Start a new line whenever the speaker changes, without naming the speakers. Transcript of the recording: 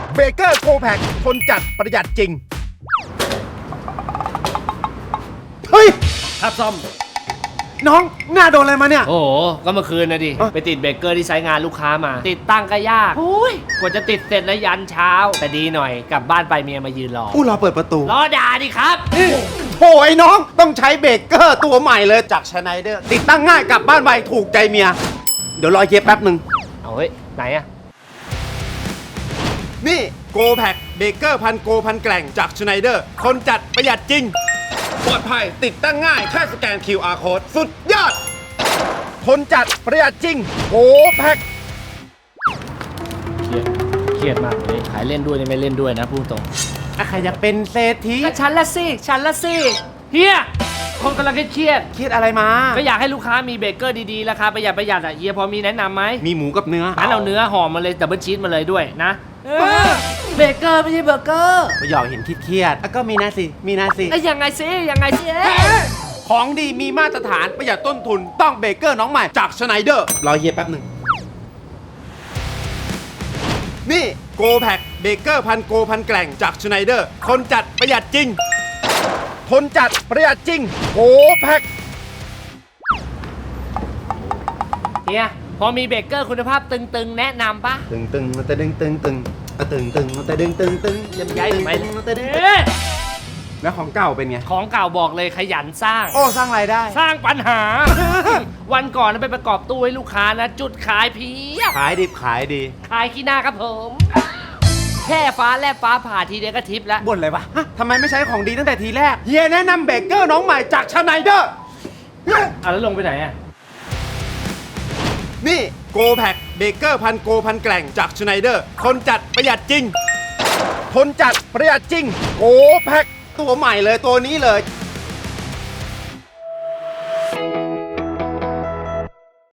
เบเกอร์โกแพคทนจัดประหยัดจริง
เฮ้ย
ครับซ่อม
น้องหน้าโดนอะไรมาเนี่ย
โอ้โห ก็เมื่อคืนนะดิ ไปติดเบรกเกอร์ที่ไซต์งานลูกค้ามา ติดตั้งก็ยากกว่าจะติดเสร็จแล้วยันเช้า แต่ดีหน่อยกลับบ้านไปเมียมายืนรอ
อู้รอเปิดประตู
รอด่าดิครับ
โอ้ยน้องต้องใช้เบรกเกอร์ตัวใหม่เลยจากชไนเดอร์ติดตั้งง่ายกลับบ้านไวถูกใจเมีย เดี๋ยวรอเย็บแป๊บหนึ่ง
เอาเฮ้ย ไหนอะ
นี่โกแพคเบเกอร์พันโกพันแกร่งจากชไนเดอร์ทนจัดประหยัดจริง ปลอดภัยติดตั้งง่ายแค่สแกน QR code สุดยอด ทนจัดประหยัดจริงโกแพค
เครียดมากเลยขายเล่นด้วยไม่เล่นด้วยนะพูดตรง
ใครจะเป็นเศรษฐี
ก็ฉันละสิเฮียคนกำลังเครียด
คิดอะไรมา
ก็อยากให้ลูกค้ามีเบเกอร์ดีๆราคาประหยัดอ่ะเฮียพอมีแนะนำไหม
มีหมูกับเนื้อ
งั้นเอาเนื้อห่อมาเลยดับเบิลชีสมาเลยด้วยนะเบเกอร์ไม่ใช่เบอร์เกอร์
ไม่อยากเห็นเครียดๆก็มีนะสิ
ไอ้ยังไงสิ
ของดีมีมาตรฐานประหยัดต้นทุนต้องเบเกอร์น้องใหม่จากชไนเดอร์รอเย็บแป๊บหนึ่ง
นี่โกแพคเบเกอร์พันโกพันแกร่งจากชไนเดอร์ทนจัดประหยัดจริง ทนจัดประหยัดจริงโกแพค
เฮียพอมีเบเกอร์คุณภาพตึงๆ แนะนำปะ
ตึงตึงแต่ดึงตึงตึงตึงตึงแต่ดึงตึงตึง
ยังย้ายทำไม
แต่ดึง
เอ๊ะ
แล้วของเก่าเป็นไง
ของเก่าบอกเลยขยันสร้าง
โอ้สร้างรายได้
สร้างปัญหา วันก่อนไปประกอบตู้ให้ลูกค้านะ จุดขายเพียบ
ขายดิบขายดี
ขายขี้หน้าครับผม แค่ฟ้าแลบฟ้าผ่าทีเดียวก็ทิปแล้ว
บ่นเลยวะฮะทำไมไม่ใช้ของดีตั้งแต่ทีแรก เฮียแนะนำเบเกอร์น้องใหม่จากชไนเดอร์
แล้วลงไปไหนอ่ะ
นี่โกแพคเบเกอร์พันโกพันแกร่งจากชไนเดอร์ทนจัดประหยัดจริง ทนจัดประหยัดจริงโกแพค
ตัวใหม่เลยตัวนี้เลย